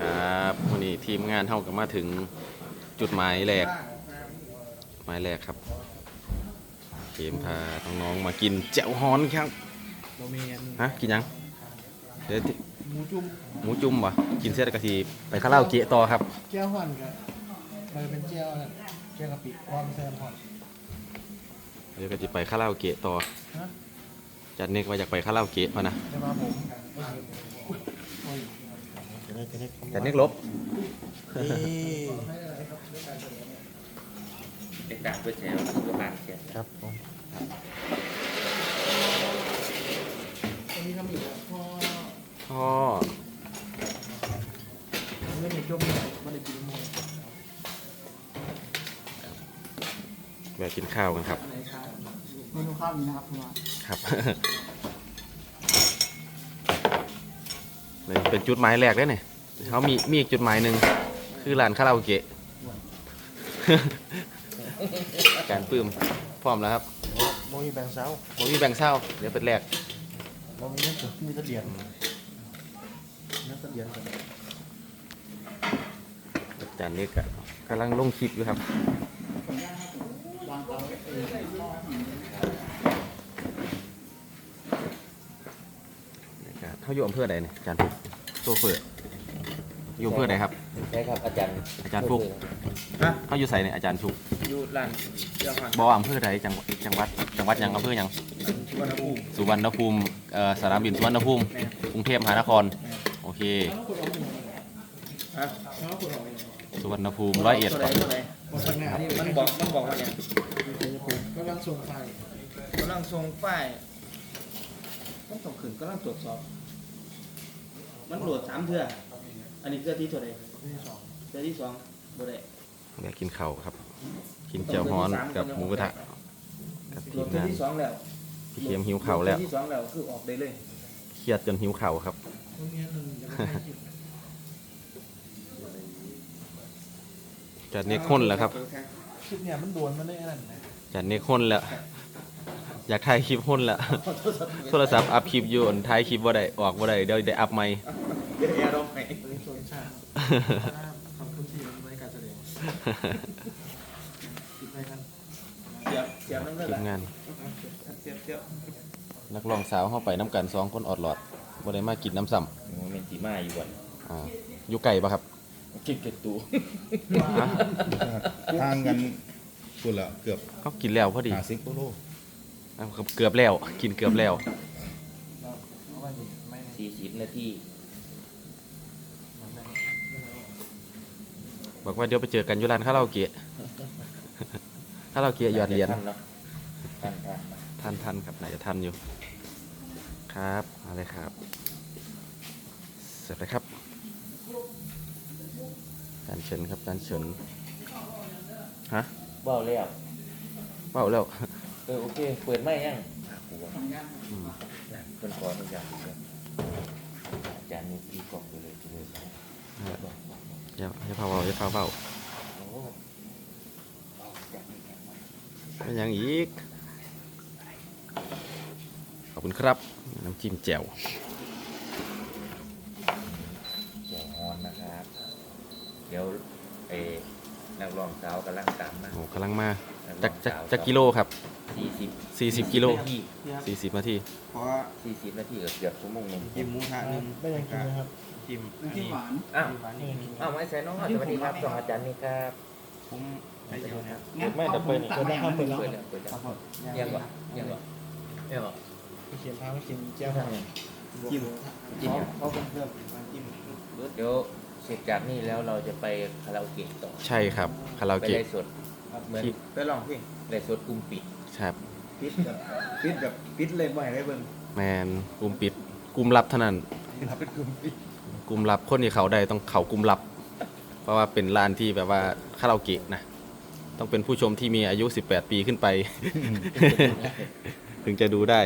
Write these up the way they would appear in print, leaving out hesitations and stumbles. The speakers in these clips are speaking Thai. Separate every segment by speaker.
Speaker 1: ครับวันนี้ทีมงานเท่ากับมาถึงจุดหมายแรกครับเกมพาน้องๆมากินแจ่วฮ้อนครับฮะกินยังเดี๋ยวหมูจุ่มวะกินเสร็จกะทิไปคาราโอเกะต่อครับ
Speaker 2: เจียวห่อนครับมันเป็นเจียวนั่นเจียวกะปิความเส้นห่อน
Speaker 1: เดี๋ยวกะทิไปคาราโอเกะต่อจัดเน็กมาอยากไปคาราโอเกะพอนะ
Speaker 2: จะมาผม
Speaker 1: จัดเน็กลบ
Speaker 3: เด็กดักด้วยแชร์ตัวบางเชีย
Speaker 1: ครับผม
Speaker 2: อันนี้ทำอีกพ่อไม่ได้จมเลยไม่ได้กินมือ
Speaker 1: แวะกินข้าวกันครับ
Speaker 2: เมนูข้าวนี้นะครับคุณว่า
Speaker 1: ครับเป็นจุดหมายแรกเลยเนี่ยเขามีอีกจุดหมายหนึ่งคือร้านคาราโอเกะการปื้มพร้อมแล้วครับ
Speaker 2: โมมีแบงเซา
Speaker 1: เดี๋ยวเป็นแรก
Speaker 2: โมมีเนื้อมีตะเดียนกัน
Speaker 1: จานนี้กำลังลงคลิปอยู่ครับเขาอยู่อำเภอใดเนี่ยอาจารย์ฟุกโซเฟอร์อยู่อำเภอใดครับ
Speaker 3: ใช่ครับอาจารย์
Speaker 1: ฟุกเขาอยู่ใส่เนี่ยอาจารย์ฟุก
Speaker 3: อยู่ร้านเจ้าของ
Speaker 1: บ่ออำเภอใดจังหวัดยังอำเภอยังสุวรรณภูมิสนามบินสุวรรณภูมิกรุงเทพมหานครโอเคสุวรรณภูมิ101
Speaker 3: มันบอกว่าเนี่ย
Speaker 2: กำลังส่งไฟ
Speaker 3: ต้องส่งขึ้นกำลังตรวจสอบมันโหลด3เทื่ออันนี้เทื่อที่เท่าไหร่เทื่อที่2บ่ได้
Speaker 1: อยากกินข้าวครับกินเจียวฮ้อนกับหมูกระทะกับทีมงาน
Speaker 3: ที่2แล้ว
Speaker 1: พี่เขียมหิวเข่าแล้ว
Speaker 3: ที่2แล้วคือออกได้เลย
Speaker 1: เครียดจนหิวเข่าครับจัดเนคอนแล้วครับ
Speaker 2: คลิปเนี่ยมันโดนมันได้นั่น
Speaker 1: จัดเนคอนแล้วอยากถ่ายคลิปหุ่นแล้วโทรศัพท์อัพคลิปอยู่ถ่ายคลิปว่าได้ออกว่าได้เดี๋ยวได้อัพใหม่
Speaker 3: เดี๋ยวแอร์ร้องไหม
Speaker 2: ขอบคุณที่ไว้การแสดงติดไปกัน
Speaker 3: เสียบนั่นเลย
Speaker 1: ทีมงาน
Speaker 3: เสียบ
Speaker 1: นักร้องสาวเข้าไปน้ำกัน2 คนออดหลอดบ่ได้มากินน้ำซ้
Speaker 3: ำมันเป็นสีมาอยู่วัน
Speaker 1: อยู่ไก่ปะครับ
Speaker 3: กินเกล็ดตู
Speaker 4: ทางกันกุละเกือบ
Speaker 1: เขากินแล้วพอดี
Speaker 4: 50 กิโล
Speaker 1: เกือบแล้วกินเกือบแล้ว
Speaker 3: 40 นาที
Speaker 1: บอกว่าเดี๋ยวไปเจอกันอยู่ร้านคาราโอเกะหยอดเหรียญทันครับไหนจะทันอยู่ครับอะไรครับเสร็จแล้วครับการเฉินครับการเฉินฮะ
Speaker 3: เบาแล้วโอเคเปิดไม่ยังคนขออนุญาตอาจารย์มีตีกล่องไปเลย
Speaker 1: อย่าเผาไม่ยังอีกขอบคุณครับน้ำจิ้มแจ่ว
Speaker 3: ฮอนนะครับเดี๋ยวนักร้องสาวกำลังตามมา
Speaker 1: กำลังมาจากกิโลครับ40 กิโล40 นาที
Speaker 3: เพราะ40 นาทีเกือบชั่วโมงนึง
Speaker 2: จิ้มหมูทะนึงไม่ยังกินนะครับ
Speaker 3: จิ้มหวานไม่ใช่น้องสวัสดีครับสองอาจารย์นี่ครับผม
Speaker 1: ไม่แต่เปิด
Speaker 3: ยังวะ
Speaker 2: เขียนพาไม่กินเจ้าทาง
Speaker 3: จิ้มเขาเพิ่มจิ้มเดี๋ยวเสร็จจากนี่แล้วเราจะไปคาราโอเกะต่อ
Speaker 1: ใช่ครับคาราโอเกะ
Speaker 3: ไปได้สดเหมือนไปลองเพลงได้สดกลุ่มปิด
Speaker 1: ครับ
Speaker 3: ปิดเลยบ่อยได้เบิ่ง
Speaker 1: แมนกลุ่มปิดกลุ่มลับเท่านั้น
Speaker 3: เป็นกลุ่มปิด
Speaker 1: กลุ่มลับคนที่เขาได้ต้องเขากลุ่มลับเพราะว่าเป็นร้านที่แบบว่าคาราโอเกะนะต้องเป็นผู้ชมที่มีอายุ18 ปีขึ้นไปถึงจะดูได้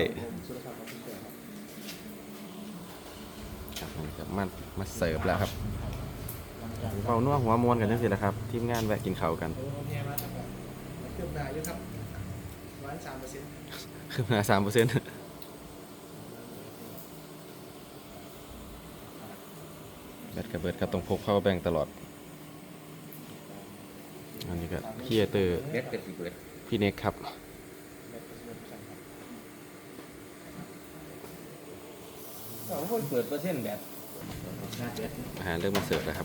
Speaker 1: ครับมาเสิร์ฟแล้วครับเบานัวหัวมวนกันจังสิแหละครับทีมงานแวะกินข้าวกัน
Speaker 2: เครื่องหนาเยอะครับ
Speaker 1: 3%ขึ้นมา3% บตกระเบิดครับต้องพก power bank ตลอดอันนี้ก็ครีเอเตอร์
Speaker 5: เบ็ดเป็นสิเบิด
Speaker 1: พี่เน็กครับ
Speaker 3: ก็คนเปิดเปอร์เซ็นต์แบบ
Speaker 5: ชาร์จเบ็ด
Speaker 1: อาหารเริ่มมาเสิร์ฟแล้วครับ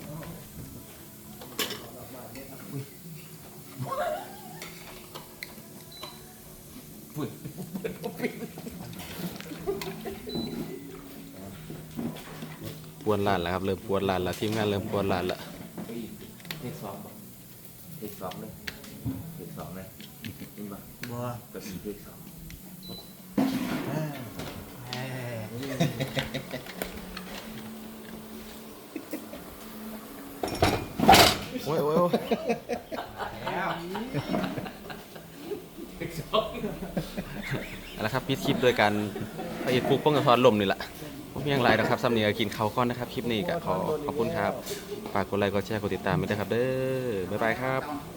Speaker 1: ปวนร้านแล้วครับ เริ่มปวนร้านแล้วทีมงานเริ่มปวนร้านแล้ว
Speaker 5: เทคสองบ่เทคสองเลยเทคสองเลยนี่บ่
Speaker 2: บัว
Speaker 5: ก็อีเทคสอง
Speaker 1: โอ้ยโอ้ยโอ้ยเอาละครับปิดคลิปโดยการพระเอกฟุกป้องกันทอนลมนี่แหละผมยังไรนะครับซ้ำนี้ก็กินข้าวก้อนนะครับ คลิปนี้ก็ขอบคุณครับ ฝากกดไลค์กดแชร์กดติดตามไปด้วยครับเด้อบ๊ายบายครับ